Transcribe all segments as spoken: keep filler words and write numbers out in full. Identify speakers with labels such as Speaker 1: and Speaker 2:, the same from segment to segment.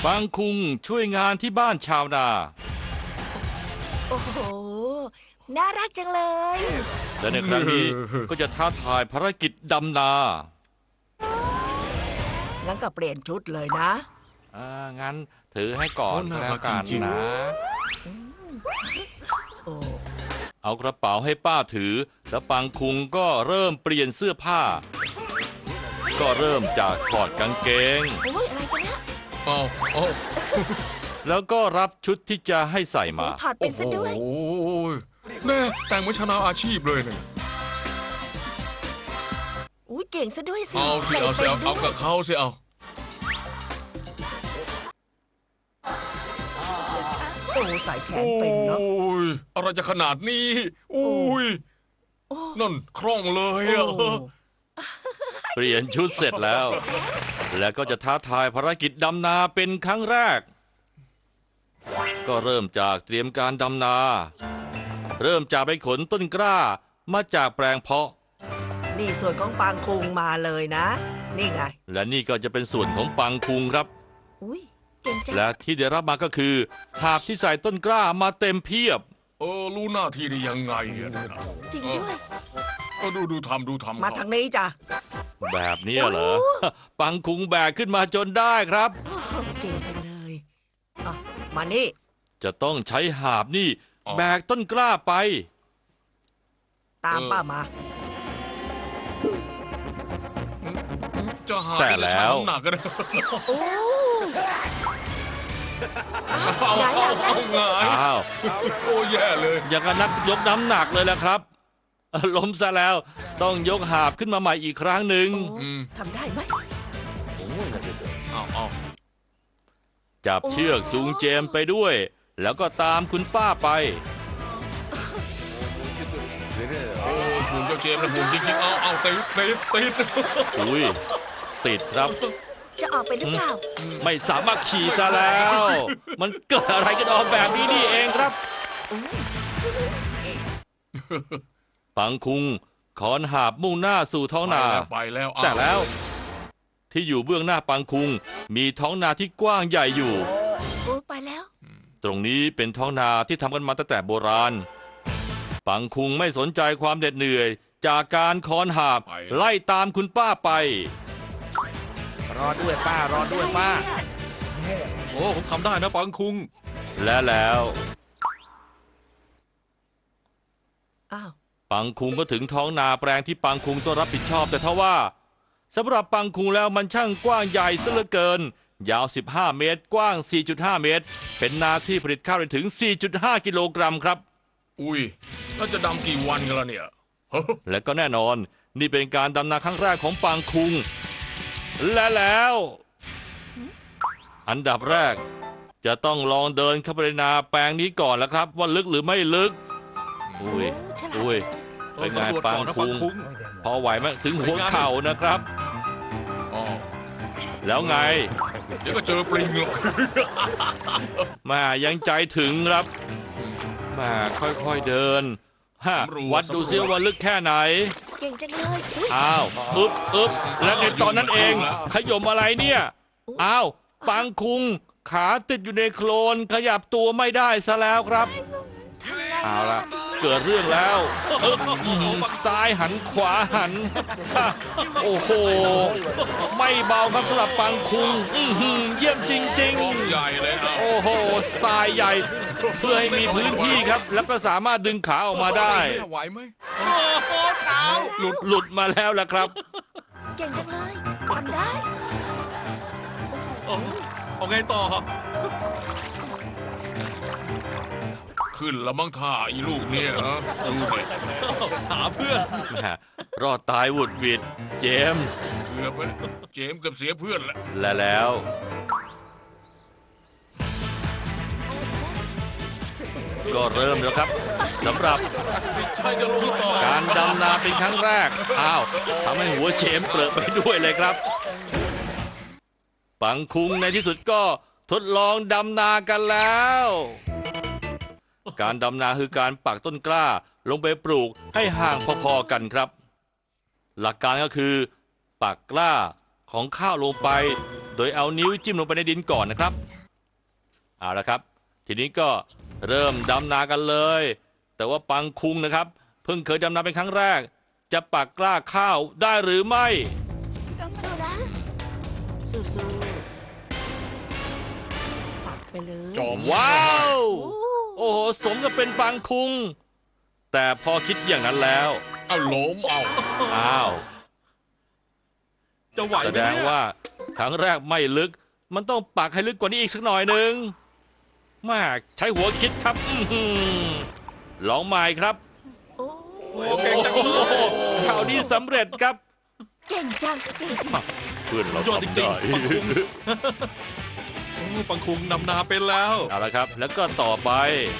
Speaker 1: ปังคุงช่วยงานที่บ้านชาวนา
Speaker 2: โอ้โห น่ารักจังเลย
Speaker 1: และในครั้งนี้ก็จะท้าทายภารกิจดำนา
Speaker 2: งั้นก็เปลี่ยนชุดเลยนะ
Speaker 1: อ่างั้นถือให้ก่อน
Speaker 3: โอ้น่า
Speaker 1: แล้
Speaker 3: รั
Speaker 1: ว
Speaker 3: ก
Speaker 1: กัน
Speaker 3: จริงๆ
Speaker 1: นะ
Speaker 2: โอ้
Speaker 1: เอากระเป๋าให้ป้าถือ แล้วปังคุงก็เริ่มเปลี่ยนเสื้อผ้า ก็เริ่มจากถอดกางเกง
Speaker 2: โอ้ยอะไรกันนะ
Speaker 3: เอาเอา
Speaker 1: แล้วก็รับชุดที่จะให้ใส่มา
Speaker 2: โอ้ถอดเป็นซะด้วย
Speaker 3: โอ้ยแน่แต่งเหมือนชาวนาอาชีพเลยเนี่ย
Speaker 2: อุ้ยเก่งซะด้วยสิ
Speaker 3: เอาสิ
Speaker 2: ใส่
Speaker 3: เอาสิ
Speaker 2: เป็น
Speaker 3: เอา
Speaker 2: ด้
Speaker 3: เอา
Speaker 2: วย
Speaker 3: กับเขาสิเอา
Speaker 2: โอ้ใส่แขน
Speaker 3: โอ้
Speaker 2: เป็นเนาะ
Speaker 3: ยอะไรจะขนาดนี้อุ้ย
Speaker 2: โอ้
Speaker 3: นั่นคล่องเลย
Speaker 2: โอ้
Speaker 3: อะ
Speaker 1: เปลี่ยนชุดเสร็จแล้ว แล้วก็จะท้าทายภารกิจดำนาเป็นครั้งแรก ก็เริ่มจากเตรียมการดำนา เริ่มจากไปขนต้นกล้ามาจากแปลงเพาะ
Speaker 2: นี่ส่วนของปางคุงมาเลยนะ นี่ไง
Speaker 1: และนี่ก็จะเป็นส่วนของปังคุงครับ
Speaker 2: อุ้ยเก่งจัง
Speaker 1: และที่ได้รับมาก็คือหาบที่ใส่ต้นกล้ามาเต็มเพียบ
Speaker 3: เออรู้หน้าที่ได้ยังไงอะนะ
Speaker 2: จริงด้วย
Speaker 3: เออดูดูทำดูทำ
Speaker 2: มา
Speaker 3: เข
Speaker 2: ทางนี้จ้ะ
Speaker 1: แบบนี้เหรอ ปังคุงแบกขึ้นมาจนได้ครับ
Speaker 2: โอ้เก่งจังเลยอ่ะมานี่
Speaker 1: จะต้องใช้หาบนี่แบกต้นกล้าไป
Speaker 2: ตามป้ามา
Speaker 3: จะหา
Speaker 1: แต่
Speaker 3: จะ
Speaker 1: แล้ว
Speaker 3: ชั่งน้ำหนักกันนะ
Speaker 2: โอ้
Speaker 3: เอา
Speaker 2: หงายห
Speaker 3: เอา
Speaker 2: ลัง
Speaker 3: เอา
Speaker 2: แล้ว
Speaker 3: หงาย
Speaker 1: อ้าว
Speaker 3: โอ้แย่เลย
Speaker 1: อย่างกับนักยกน้ำหนักเลยแหละครับ ล้มซะแล้วต้องยกหาบขึ้นมาใหม่อีกครั้งหนึ่ง
Speaker 2: โอ้ทำได้ไหม
Speaker 3: เอาเอา
Speaker 1: จับ
Speaker 2: โอ้
Speaker 1: เชือกจูงเจมไปด้วย แล้วก็ตามคุณป้าไป
Speaker 3: โอ้หุ่นเจ้าเจมส์นะหุ่นจริงๆเอาเอาติดติดติด
Speaker 1: อุ้ยติดครับ
Speaker 2: จะออกไปหรือเปล่า
Speaker 1: ไม่สามารถขี่ซะแล้ว มันเกิดอะไรกันออกแบบนี้นี่เองครับ
Speaker 2: โอ้
Speaker 1: ปังคุงขอนหาบมุ่งหน้าสู่ท้อง
Speaker 3: ไป
Speaker 1: นา
Speaker 3: แล้วไปแล้วเอา
Speaker 1: แต่แล้ว ที่อยู่เบื้องหน้าปังคุง มีท้องนาที่กว้างใหญ่อยู่
Speaker 2: โอ้ไปแล้ว
Speaker 1: ตรงนี้เป็นท้องนาที่ทำกันมาตั้งแต่โบราณ ปังคุงไม่สนใจความเหน็ดเหนื่อย จากการค้อนหาบไล่ตามคุณป้าไป
Speaker 4: รอด้วยป้ารอด้วยป้า
Speaker 5: โอ้ผมทำได้นะปังคุง
Speaker 1: และแล้ว
Speaker 2: อ้าว
Speaker 1: ปังคุงก็ถึงท้องนาแปลงที่ปังคุงต้องรับผิดชอบแต่ทว่าสำหรับปังคุงแล้วมันช่างกว้างใหญ่ซะเหลือเกิน ยาวสิบห้าเมตรกว้าง สี่จุดห้า เมตร เป็นนาที่ผลิตข้าวได้ถึง สี่จุดห้า กิโลกรัมครับ
Speaker 3: อุ้ยแล้วจะดำกี่วันกันล่ะเนี่ยเฮ้อ
Speaker 1: และก็แน่นอนนี่เป็นการดำนาครั้งแรกของปังคุง และแล้ว อันดับแรก จะต้องลองเดินเข้าไปในนาแปลงนี้ก่อนแล้วครับ ว่าลึกหรือไม่ลึก อุ้ย
Speaker 2: โฉลาด
Speaker 1: อุ้ย
Speaker 2: จังเลย
Speaker 1: เป็นไง
Speaker 5: สำรวจ
Speaker 1: ปั
Speaker 5: ก่
Speaker 1: ง
Speaker 5: อนนะ
Speaker 1: คุ
Speaker 5: ปั
Speaker 1: ง
Speaker 5: งคุง
Speaker 1: พอไหวไหมถึงหัวเข่านะครับ
Speaker 3: อ๋อ
Speaker 1: แล้วไง
Speaker 3: เดี๋ยวก็เจอปลิงหรอก
Speaker 1: แมายังใจถึงครับแมาค่อยๆเดินฮะวัดดูซิว่าลึกแค่ไหน
Speaker 2: เก่งจังเลยอุ้ย
Speaker 1: อ้าวอึบอึบและในตอนนั้นเอง ขยมอะไรเนี่ย อ้าว ปังคุง ขาติดอยู่ในโคลน ขยับตัวไม่ได้ซะแล้วครับ
Speaker 2: ทำไง
Speaker 1: เอาละ
Speaker 2: ทีนี้
Speaker 1: เกิดเรื่องแล้วอึบอื้อหือซ้ายหันขวาหันฮะโอ้โห ไม่เบาครับสำหรับปังคุง อื้อหือเยี่ยมจริง
Speaker 3: กองใหญ่เลยนะ
Speaker 1: ๆ โอ้โหทรายใหญ่ เพื่อให้มีพื้นที่ครับ แล้วก็สามารถดึงขาออกมาได้
Speaker 3: ไหวไหม
Speaker 5: โอ้โหเท้า
Speaker 1: หลุดหลุดมาแล้วล่ะครับ
Speaker 2: เก่งจังเลยทำได้
Speaker 5: โอ้เอาไงต่อ
Speaker 3: ขึ้นแล้วมั้งท่าอีลูกเนี่ยฮะดูสิ
Speaker 5: หาเพื่อน
Speaker 1: แหม่รอดตายหวุดหวิดเจมส์
Speaker 3: เกือบไปแล้วเจมส์เกือบเสียเพื่อนแล้ว
Speaker 1: และแล้ว ก็เริ่มแล้วครับสำหรับ
Speaker 3: ติดชายจะลงต่อ
Speaker 1: การดำนาเป็นครั้งแรก อ้าวทำให้หัวเจมส์เปลือกไปด้วยเลยครับ ปังคุงในที่สุดก็ทดลองดำนากันแล้ว การดำนาคือการปักต้นกล้าลงไปปลูกให้ห่างพอๆกันครับ หลักการก็คือ ปักกล้าของข้าวลงไป โดยเอานิ้วจิ้มลงไปในดินก่อนนะครับเอาละครับ ทีนี้ก็เริ่มดำนากันเลย แต่ว่าปังคุงนะครับ เพิ่งเคยดำนาเป็นครั้งแรก จะปักกล้าข้าวได้หรือไม่
Speaker 2: สู้นะ สู้ๆปักไปเลย
Speaker 3: จอม
Speaker 1: ว้าว
Speaker 2: โอ้
Speaker 1: โอ้โหสมกับเป็นปังคุง แต่พอคิดอย่างนั้นแล้ว
Speaker 3: เอาล้มเอา
Speaker 1: อ้าว
Speaker 5: จะไหว
Speaker 1: แส
Speaker 5: ไหม
Speaker 1: ดง
Speaker 5: เนี่ย
Speaker 1: ว่าครั้งแรกไม่ลึก มันต้องปักให้ลึกกว่านี้อีกสักหน่อยหนึ่งแม่ใช้หัวคิดครับอื้อหือลองใหม่ครับ
Speaker 2: โอ้
Speaker 5: โอ้เก่งจังเล
Speaker 1: โอ้โห
Speaker 5: ย
Speaker 1: คราวนี้สำเร็จครับ
Speaker 2: เก่งจัง เก่งจริง
Speaker 1: เพื่อนเรา
Speaker 5: ยอดจ
Speaker 1: ทำ
Speaker 5: ริง
Speaker 1: ได้
Speaker 5: ๆปังคุง โอ้ปังคุงนำนาเป็นแล้ว
Speaker 1: เอาละครับ แล้วก็ต่อไป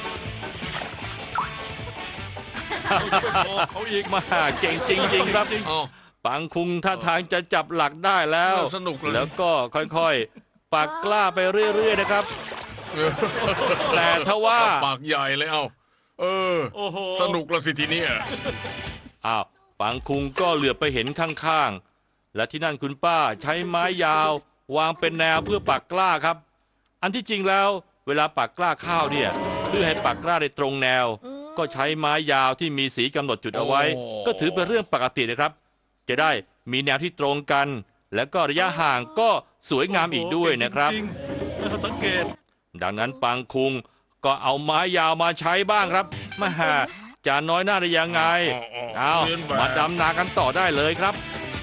Speaker 5: เอาอีก
Speaker 1: มาเก่งจริง ๆ ครับ
Speaker 5: จริง
Speaker 3: เอา
Speaker 1: ปังคุงท่าทางจะจับหลักได้แล้ว
Speaker 3: สนุกเลย
Speaker 1: แล้วก็ค่อยๆ ปักกล้าไปเรื่อย ๆ นะครับ แต่ถ้าว่า
Speaker 3: ปากใหญ่เลยเอาเออ
Speaker 5: โอ้โห
Speaker 3: สนุกละสิทีเนี้ย
Speaker 1: อ้าวปังคุงก็เหลือบไปเห็นข้างๆ และที่นั่นคุณป้าใช้ไม้ยาว วางเป็นแนวเพื่อปักกล้าครับ อันที่จริงแล้ว เวลาปักกล้าข้าวเนี่ยเพื่อให้ปักกล้าได้ตรงแนว
Speaker 2: อืม
Speaker 1: ก็ใช้ไม้ยาวที่มีสีกำหนดจุดเอาไว้ ก็ถือเป็นเรื่องปกตินะครับ จะได้มีแนวที่ตรงกัน และก็ระยะห่างก็สวยงามอีกด้วยนะครับ
Speaker 5: จงๆเออสังเกต
Speaker 1: ดังนั้นปังคุงก็เอาไม้ยาวมาใช้บ้างครับมาหาจะน้อยหน้าได้ยังไง เอา
Speaker 3: เรียนแบบ
Speaker 1: มาดำนากันต่อได้เลยครับ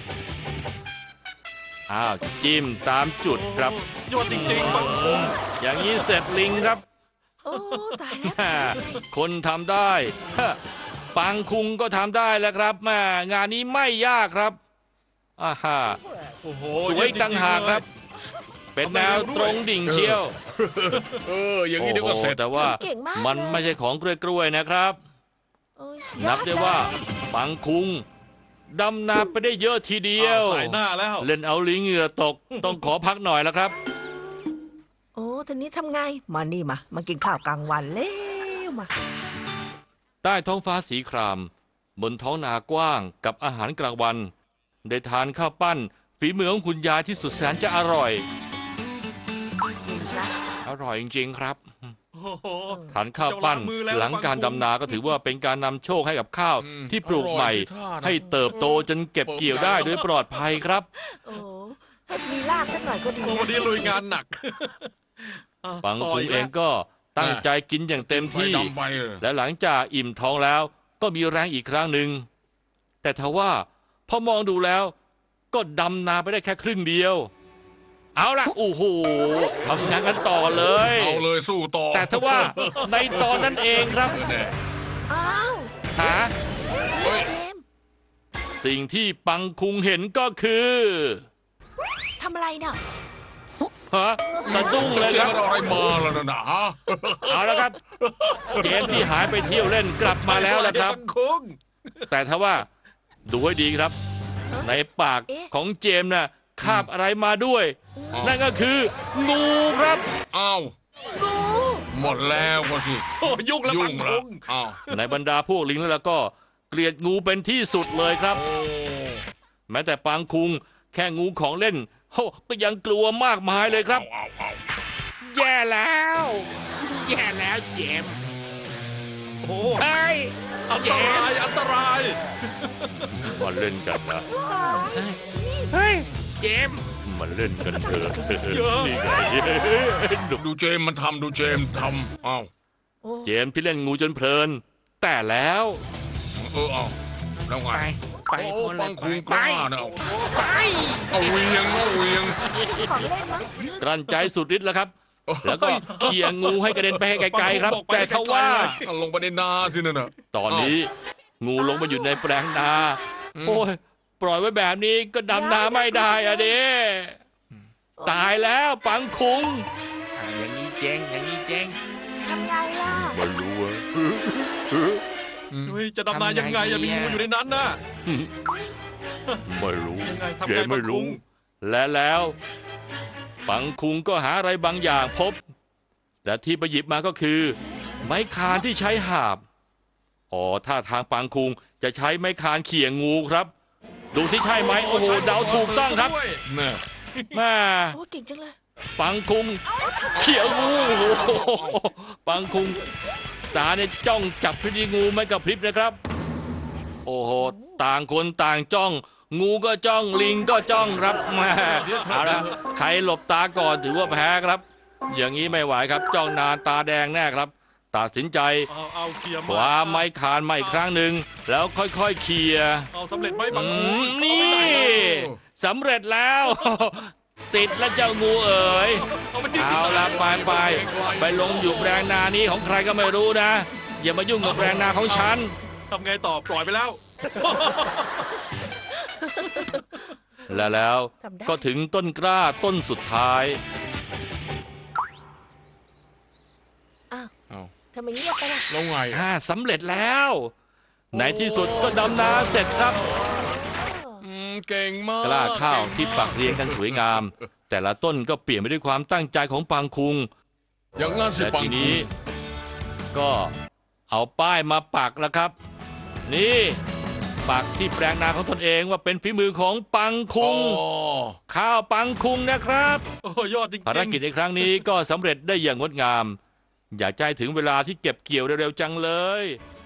Speaker 1: อ้าวจิ้มตามจุดครับ
Speaker 5: โอ้ยอดจริงๆปังคุง
Speaker 1: อย่างนี้เสร็จลิงครับ
Speaker 2: โอ้ตายแล้ว
Speaker 1: แม่คนทำได้ฮะปังคุงก็ทำได้แล้วครับแม่งานนี้ไม่ยากครับอ่าฮะ
Speaker 5: โอ้โห
Speaker 1: สวยต่างหากครับ เป็นแนวตรงดิ่งเชียว
Speaker 3: เออ อย่างนี้เดี๋ยวก็เสร็จ
Speaker 1: โอ้โหแต่ว่า
Speaker 2: เก่งมาก
Speaker 1: มันไม่ใช่ของกล้วยๆนะครับ
Speaker 2: โอ้ย
Speaker 1: นับได้ว่า
Speaker 2: ยอเลย
Speaker 1: ปังคุงดำนาไปได้เยอะทีเดียว
Speaker 5: อ้าวสายหน้าแล้ว
Speaker 1: เล่นเอาลิงเหงื่อตก ต้องขอพักหน่อยแล้วครับ
Speaker 2: โอ้ทีนี้ทำไง มานี่มา มากินข้าวกลางวันเร็วมา
Speaker 1: ใต้ท้องฟ้าสีคราม บนท้องนากว้างกับอาหารกลางวัน ได้ทานข้าวปั้น ฝีมือของคุณยายที่สุดแสนจะอร่อย
Speaker 2: กินซะ
Speaker 1: อร่อยจริงๆครับ
Speaker 5: โอ้โห
Speaker 1: ทานข้าวปั้น
Speaker 5: เจ้าล้างมือแล้ว
Speaker 1: หลังการ
Speaker 5: ปังคุง
Speaker 1: ดำนาก็ถือว่าเป็นการนำโชคให้กับข้าว
Speaker 3: อืม
Speaker 1: ที่ปลูกใหม่
Speaker 3: อร่อยสิท่านะ
Speaker 1: ให้เติบโตจนเก็บเกี่ยวได้โดยปลอดภัยครับ
Speaker 2: โอ้ให้มีลาบสักหน่อยก็ดี
Speaker 5: โอ้
Speaker 2: นะ
Speaker 5: วันนี้ลุยงานหนักอ่ะ
Speaker 1: ปัง
Speaker 5: ต่
Speaker 1: คุง
Speaker 5: ก
Speaker 1: เอ
Speaker 5: แล้ว
Speaker 1: งก็ตั้งใจกินอย่างเต็มที่
Speaker 3: ไปดำไปเออ
Speaker 1: และหลังจากอิ่มท้องแล้วก็มีแรงอีกครั้งหนึ่ง แต่ทว่าพอมองดูแล้วก็ดำนาไปได้แค่ครึ่งเดียว เอาล่ะโอ้โหทำงานกันต่อเลย
Speaker 3: เอาเลยสู้ต่อ
Speaker 1: แต่ทว่าในตอนนั้นเองครับ
Speaker 3: แน่
Speaker 2: อ้าว
Speaker 1: หา
Speaker 3: เฮ้ย
Speaker 2: เจมส์
Speaker 1: สิ่งที่ปังคุงเห็นก็คือ
Speaker 2: ทำอะไรเนี่ย
Speaker 1: ฮะสะดุ้ง
Speaker 3: จะ
Speaker 1: เลย
Speaker 3: เชื่
Speaker 1: ค
Speaker 3: อ
Speaker 1: รับ
Speaker 3: มันอะไรมาแล้วนะนะฮะ
Speaker 1: เอาละครับ เจมส์ที่หายไปเที่ยวเล่นกลับมาแล้วละครับ
Speaker 5: ปังคุง
Speaker 1: แต่ถ้าว่าดูให้ดีครับ ในปาก
Speaker 2: เอ๊ะ
Speaker 1: ของเจมส์น่ะคาบอะไรมาด้วย
Speaker 3: อ้าว
Speaker 1: นั่นก็คือ งูครับ
Speaker 3: อ้าว
Speaker 2: งู
Speaker 3: หมดแล้วก็สิ
Speaker 5: โอ้ยุ่งแล้ว
Speaker 3: ยุ่
Speaker 5: ปั
Speaker 3: ง
Speaker 5: ง
Speaker 3: ละ
Speaker 5: คุง
Speaker 3: อ้าว
Speaker 1: ในบรรดาพวกลิงแล้วก็เกลียดงูเป็นที่สุดเลยครับ
Speaker 3: โอ้
Speaker 1: แม้แต่ปางคุงแค่งูของเล่นโหก็ยังกลัวมากมายเลยครับ
Speaker 3: เอาเอา
Speaker 4: แย่แล้ว แย่แล้วเจมส์
Speaker 5: โอ้โห
Speaker 4: เฮ้ย
Speaker 5: อันตรายอันตราย
Speaker 1: มาเล่นกันนะ
Speaker 2: ตาย
Speaker 4: เฮ้ย เจมส์
Speaker 1: มาเล่นกันเถอะ
Speaker 5: เยอะ
Speaker 1: นี่ไงหนุ่ม
Speaker 3: ดูเจมส์มันทำดูเจมส์ทำอ้าว
Speaker 2: โอ้
Speaker 1: เจมส์ที่เล่นงูจนเพลิน แต่แล้ว
Speaker 3: เออเอาแล้วไง
Speaker 4: ไป ไป
Speaker 3: โอ้
Speaker 4: คน
Speaker 3: ปั
Speaker 4: ละ
Speaker 3: ง
Speaker 4: ไป
Speaker 3: คุงก
Speaker 4: ไป
Speaker 3: ล้านะเอา
Speaker 4: ไป
Speaker 3: เอาเวียงเอาเวียง
Speaker 2: ของเล่นมั้ง
Speaker 1: กลั้นใจสุดฤทธิ์แล้วครับ แล้วก็เขี่ยงูให้กระเด็นไปให้ไกลๆครับ
Speaker 5: บอกไป
Speaker 1: แต่ทว่า
Speaker 5: ไกลๆเลย
Speaker 3: เอาลงไปในนาสินั่นน่ะ
Speaker 1: ตอนนี้ งูลงมาอยู่ในแปลงนา
Speaker 3: อืม
Speaker 1: โอ้ย ปล่อยไว้แบบนี้ก็ดำนาไม่ได้อะเด้ตายแล้วปังคุง
Speaker 4: อ่าอย่างนี้เจ๊งอย่างนี้เจ๊ง
Speaker 2: ทำไงล่ะ
Speaker 1: ไม่รู้อะ
Speaker 3: อืม
Speaker 5: เฮ้ยจะดำนายังไงอะมีงูอยู่ในนั้นน่ะ
Speaker 1: ไม่รู้
Speaker 5: ยังไงทำ
Speaker 1: เจ
Speaker 5: ไง
Speaker 1: ไม่
Speaker 5: ปังคุ
Speaker 1: รู้
Speaker 5: ง
Speaker 1: และแล้ว ปังคุงก็หาอะไรบางอย่างพบ และที่ไปหยิบมาก็คือ ไม้คานที่ใช้หาบ อ๋อท่าทางปังคุงจะใช้ไม้คานเขี่ยงูครับ ดูสิใช่ไหมโอ้โหเดาถูกต้องครับ
Speaker 5: ด้วย
Speaker 3: แน่
Speaker 1: แม่
Speaker 2: โอ้เก่งจังเลย
Speaker 1: ปังคุงเขียวงูโอ้โหปังคุงตาเนี่ยจ้องจับพิธีงูไม่กับพริบนะครับ โอ้โหต่างคนต่างจ้อง งูก็จ้องลิงก็จ้องครับแม่เอาละใครหลบตาก่อนถือว่าแพ้ครับ อย่างนี้ไม่ไหวครับ จ้องนานตาแดงแน่ครับ ตัดสินใจ
Speaker 5: เอาเอาเคลียร์
Speaker 1: คว้าไม้คานมาอีกครั้งหนึ่งแล้วค่อยๆเคลียร์
Speaker 5: เอาสำเร็จไหมบาง
Speaker 1: อื
Speaker 5: คู
Speaker 1: มนี่สำเร็จแล้ว ติดแล้วเจ้างูเอ๋ย
Speaker 5: เอาไปจิ้ม
Speaker 1: เอาละไปไปไปลงอยู่แปลงนานี้ของใครก็ไม่รู้นะ อย่ามายุ่งกับแปลงนาของฉัน
Speaker 5: ทำไงต่อปล่อยไปแล้ว
Speaker 1: และแล้ว
Speaker 2: ทำได้
Speaker 1: ก็ถึงต้นกล้าต้นสุดท้าย
Speaker 2: อ้าว
Speaker 3: เอา
Speaker 2: ทำไมเงียบไปล่ะ
Speaker 3: แล้วไง
Speaker 1: อ่าสำเร็จแล้ว ในที่สุดก็ดำนาเสร็จครับ
Speaker 3: อืมเก่งมาก
Speaker 1: กล้าข้าวที่ปักเรียงกันสวยงาม แต่ละต้นก็เปลี่ยนไปด้วยความตั้งใจของปังคุง
Speaker 3: อย่างงั้นสิ
Speaker 1: และ
Speaker 3: ปัง
Speaker 1: ที
Speaker 3: คุ
Speaker 1: นี้
Speaker 3: ง
Speaker 1: ก็เอาป้ายมาปักแล้วครับ นี่ปักที่แปลงนาของตนเองว่าเป็นฝีมือของปังคุ
Speaker 3: อ๋
Speaker 1: ง
Speaker 3: อ
Speaker 1: ข้าวปังคุงนะครับ
Speaker 5: โอ้ยอดจริงๆ
Speaker 1: ภารกิจในครั้งนี้ก็สำเร็จได้อย่างงดงาม อยากจะให้ถึงเวลาที่เก็บเกี่ยวเร็วๆจังเลย